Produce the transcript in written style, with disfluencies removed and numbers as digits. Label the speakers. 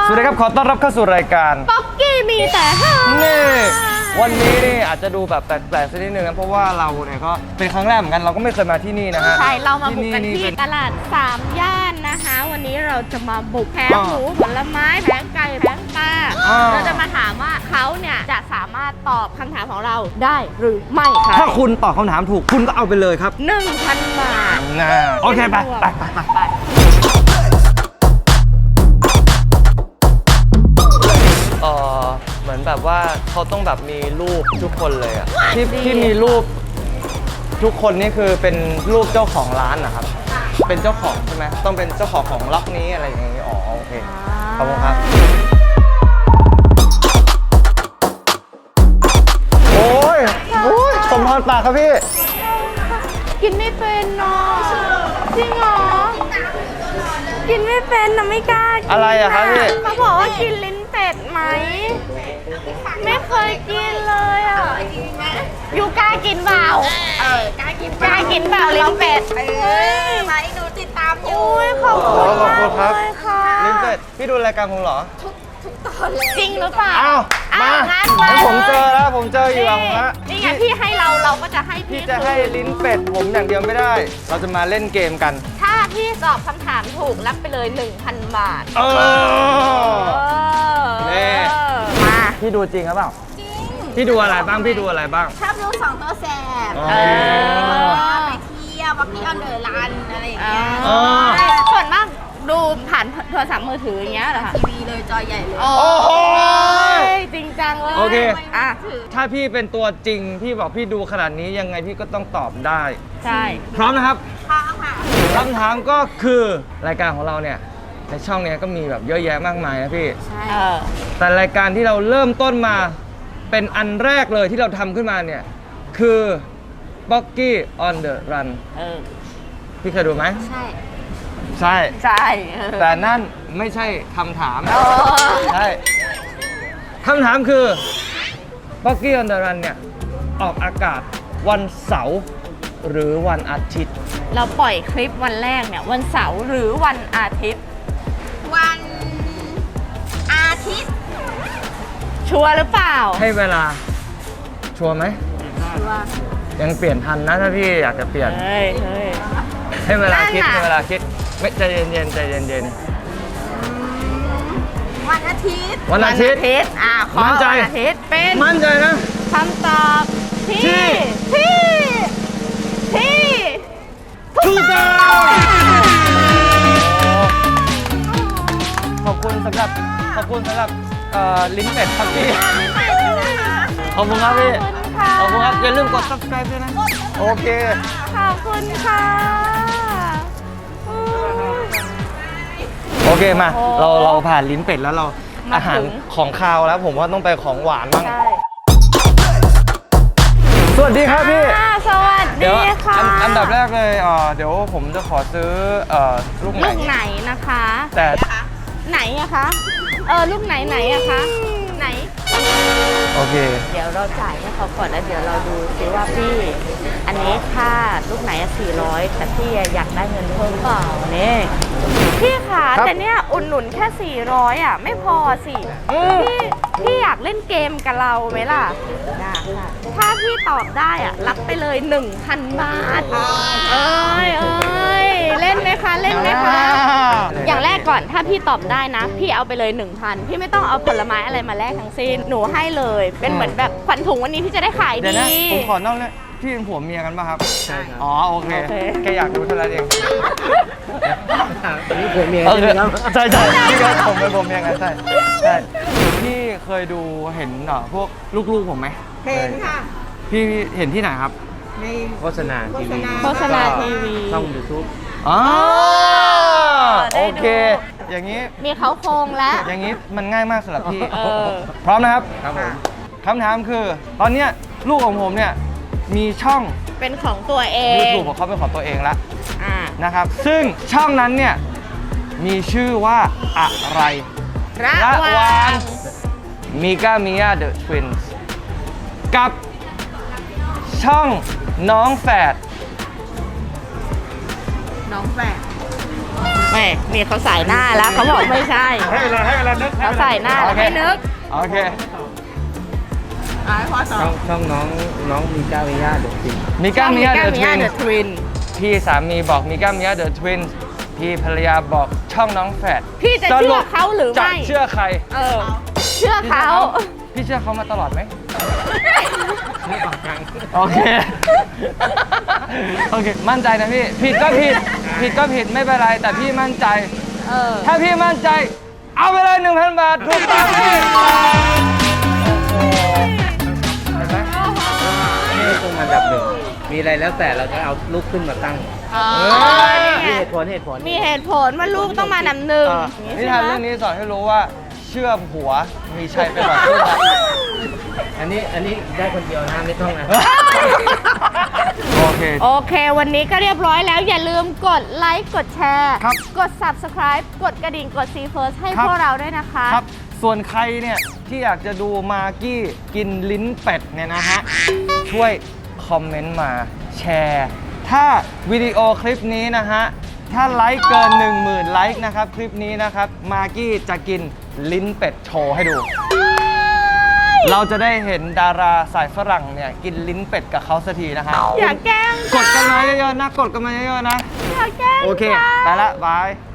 Speaker 1: สวัสดีครับขอต้อนรับเข้าสู่รายการ
Speaker 2: ป๊อกกี้มีแต่ฮา
Speaker 1: นี่วันนี้นี่อาจจะดูแบบแปลกๆสักนิดนึงนะเพราะว่าเราเนี่ยก็เป็นครั้งแรกเหมือนกันเราก็ไม่เคยมาที่นี่นะฮะ
Speaker 2: ใช่เรามาบุกกันที่ตลาด3ย่านนะคะวันนี้เราจะมาบุกแผงหมูผลไม้แผงไก่แผงปลาเราจะมาถามว่าเขาเนี่ยจะสามารถตอบคำถามของเราได้หรือไม่ค่ะ
Speaker 1: ถ้าคุณตอบคำถามถูกคุณก็เอาไปเลยครับ
Speaker 2: 1,000 บาท
Speaker 1: นะโอเคไปเหมือนแบบว่าเขาต้องแบบมีรูปทุกคนเลยอะที่มีรูปทุกคนนี่คือเป็นรูปเจ้าของร้านนะครับเป็นเจ้าของใช่ไหมต้องเป็นเจ้าของของล็อกนี้อะไรอย่างงี้อ๋อโอเคขอบคุณครับโอ้ยสมพรปากครับพี่
Speaker 2: กินไม่เป็นเนาะจริงเหรอกินไม่เป็นนะไม่กล้ากิน
Speaker 1: อะไรอะครับพี่
Speaker 2: เขาบอกว่ากินลิ้นเป็ดไหมไม่เคยกินเลยอ่ะยูกล้ากินเปล่ากล้ากินเปล่าลิ้นเป็ด
Speaker 3: มาหนูติดตามอยู่
Speaker 2: ขอบคุณ
Speaker 1: ครับลิ้นเป็ดพี่ดูรายการผมเหรอ
Speaker 3: ทุกตอนเลย
Speaker 2: จริงหรือเปล่า
Speaker 1: อ้าวมาผมเจอแล้วผมเจออยู่ผมละ
Speaker 2: นี่ไงพี่ให้เราก็จะให้พี่
Speaker 1: จะให้ลิ้นเป็ดผมอย่างเดียวไม่ได้เราจะมาเล่นเกมกัน
Speaker 2: ถ้าพี่ตอบคำถามถูกรับไปเลย 1,000 บาท
Speaker 1: นี่
Speaker 2: มา
Speaker 1: พี่ดูจริงหรือเปล่า
Speaker 3: จริง
Speaker 1: พี่ดูอะไรบ้างพี่ดูอะไรบ้าง
Speaker 3: ชอบดู2ตัวแสบไปเที่ยวป๊อกกี้ออนเดอะรันอะไรอย่างเงี้ย
Speaker 2: ส่วนมากดูผ่านโทรศัพท์มือถืออย่างเงี้ยเหรอคะ
Speaker 3: ทีวีเลยจอใหญ่เลย
Speaker 2: โอ้โหจริงจังเลย
Speaker 1: โอเค
Speaker 2: อ่ะ
Speaker 1: ถ้าพี่เป็นตัวจริงพี่บอกพี่ดูขนาดนี้ยังไงพี่ก็ต้องตอบได้
Speaker 2: ใช่
Speaker 1: พร้อมนะครับ
Speaker 3: ค่ะ
Speaker 1: คำถามก็คือรายการของเราเนี่ยในช่องเนี้ยก็มีแบบเยอะแยะมากมายนะพี่
Speaker 3: ใช่
Speaker 1: แต่รายการที่เราเริ่มต้นมาเป็นอันแรกเลยที่เราทำขึ้นมาเนี่ยคือ Pocky on the Run พี่เคยดูไหมใช่แต่นั่นไม่ใช่คำถามใช่คำถามคือ Pocky on the Run เนี่ยออกอากาศวันเสาร์หรือวันอาทิตย์
Speaker 2: เราปล่อยคลิปวันแรกเนี่ยวันเสาร์หรือวันอาทิตย์
Speaker 3: วันอาทิตย์
Speaker 2: ชัวร์หรือเปล่า
Speaker 1: ให้เวลาชัวร์ไหม
Speaker 3: ชัวร์
Speaker 1: ยังเปลี่ยนทันนะถ้าพี่อยากจะเปลี่ยนให้เวลาคิดไม่ใจเย็นใจเย็น
Speaker 3: วันอาทิตย์
Speaker 2: ขอวันอาทิตย์เป็น
Speaker 1: มั่นใจนะ
Speaker 2: คำตอบที่
Speaker 1: ถูกต้องขอบคุณสำหรับลิ้นเป็ดครับพี่ขอบคุณครับพี่ขอบคุณครับอย่าลืมกด subscribe ด้วยนะโอเค
Speaker 2: ขอบคุณค่ะ
Speaker 1: โอเคมาเราผ่านลิ้นเป็ดแล้วเราอาหารของคาวแล้วผมว่าต้องไปของหวานบ้างสวัสดีครับพี่
Speaker 2: สวัสดีค่ะ
Speaker 1: อันดับแรกเลยเดี๋ยวผมจะขอซื้อลูก
Speaker 2: ไหนนะคะ
Speaker 1: แต่
Speaker 2: ไหนอะคะลูกไหนอะคะไหน
Speaker 1: โอเค
Speaker 2: เดี๋ยวเราจ่ายให้เขาก่อนแล้วเดี๋ยวเราดูซิว่าพี่อันนี้ค่าลูกไหน400แต่พี่อยากได้เงินเพิ่มเปล่าเนี่ยพี่ค่ะแต่เนี่ยอุ่นหนุนแค่400อ่ะไม่พอสิพี่อยากเล่นเกมกับเราไหมล่ะได้ค่ะถ้าพี่ตอบได้อ่ะรับไปเลย 1,000 บาทเล่นไหมคะอย่างแรกก่อนถ้าพี่ตอบได้นะพี่เอาไปเลย 1,000 พี่ไม่ต้องเอาผลไม้อะไรมาแลกทั้งสิ้นหนูให้เลยเป็นเหมือนแบบขวัญถุงวันนี้พี่จะได้ขายดี
Speaker 1: ผมขอนอกเลยพี่เป็นผัวเมียกันป่ะครับใช่ครับอ๋อโอเคแค่อยากรู้เท่านั้นเองนี่ผัวเมียใช่ไหมครับใช่พี่ก็ผมเป็นผัวเมียกันใช่พี่เคยดูเห็นพวกลูกๆผมไหม
Speaker 3: เห็นค่ะ
Speaker 1: พี่เห็นที่ไหนครับ
Speaker 3: ใน
Speaker 1: โฆษณาทีวี
Speaker 2: ช่
Speaker 1: อง YouTube อ๋อโอเคอย่างนี้
Speaker 2: มีเขาโครงแล้ว
Speaker 1: อย่างนี้มันง่ายมากสำหรับพี่พร้อมนะครับครับผมคำถามคือตอนนี้ลูกของผมเนี่ยมีช่อง
Speaker 2: เป็นของตัวเอง
Speaker 1: YouTube ของเขาเป็นของตัวเองแล้วนะครับซึ่งช่องนั้นเนี่ยมีชื่อว่าอะไร
Speaker 2: ระหว่าง
Speaker 1: มิก้ามิยาเดอะทวินส์กับช่องน้องแฝด
Speaker 2: ไม่นี่เขาใส่หน้าแล้วเขาบอกไม่ใช่
Speaker 4: ให้เวลานึก
Speaker 2: เขาใส่หน้าแล้วให้นึก
Speaker 1: โอเค
Speaker 3: ให้พ่อสอน
Speaker 4: ช่องน้องมีก้าวิยาเด็กจริง
Speaker 1: มิก้ามิยาเดอะทวิน
Speaker 2: เดอะทวิน
Speaker 1: พี่สามีบอกมิก้ามิยาเดอะทวินพี่ภรรยาบอกช่องน้องแฝด
Speaker 2: พี่จะเชื่อเขาหรือ
Speaker 1: จะ
Speaker 2: ไม่
Speaker 1: เชื่อใคร
Speaker 2: เออ เชื่อเขา
Speaker 1: พี่เชื่อเขามาตลอดไหม
Speaker 4: ไม่ออกกลาง
Speaker 1: โอเค โอเค มั่นใจนะพี่ ผิดก็ผิด ผิดก็ผิดไม่เป็นไร แต่พี่มั่นใจ
Speaker 2: เออ
Speaker 1: ถ้าพี่มั่นใจ เอาไปเลย 1,000 บาท ถูกต้องพี่ โอ้โหเห็นไหม
Speaker 4: นี่คงอันดับหนึ่งมีอะไรแล้วแต่เราจะเอาลูกขึ้นมาตั้ง
Speaker 2: อ๋อ
Speaker 4: มี
Speaker 2: นี่ไง
Speaker 4: เหตุผล
Speaker 2: มีเหตุผลว่าลูกต้องมานำหนึ่ง
Speaker 1: นิทานเรื่องนี้สอนให้รู้ว่า เชื่อมหัวมีชัยไปกว่าเชื่อม
Speaker 4: อันนี้ได้คนเดียวนะไม่ต้องนะ
Speaker 1: โอเค
Speaker 2: โอเค วันนี้ก็เรียบร้อยแล้ว อย่าลืมกดไลค์ กดแชร์
Speaker 1: ครับ
Speaker 2: กด subscribe กดกระดิ่ง กด See First ให้
Speaker 1: ครับ
Speaker 2: พวกเราด้วยนะคะ
Speaker 1: ครับ ส่วนใครเนี่ยที่อยากจะดูมากกี้กินลิ้นเป็ดเนี่ยนะฮะ ช่วยคอมเมนต์มาแชร์ ถ้าวิดีโอคลิปนี้นะฮะ ถ้าไลค์เกิน 10,000 ไลค์นะครับ คลิปนี้นะครับ มากกี้จะกินลิ้นเป็ดโชว์ให้ดู เราจะได้เห็นดาราสายฝรั่งเนี่ย กินลิ้นเป็ดกับเขาสักทีนะฮะ
Speaker 2: อย่าแกล้ง
Speaker 1: กดกันมาเยอะๆนะ กดกันมาเยอะๆนะ
Speaker 2: อย่าแกล้ง
Speaker 1: โอเค
Speaker 2: ค่ะ
Speaker 1: ไปละ บาย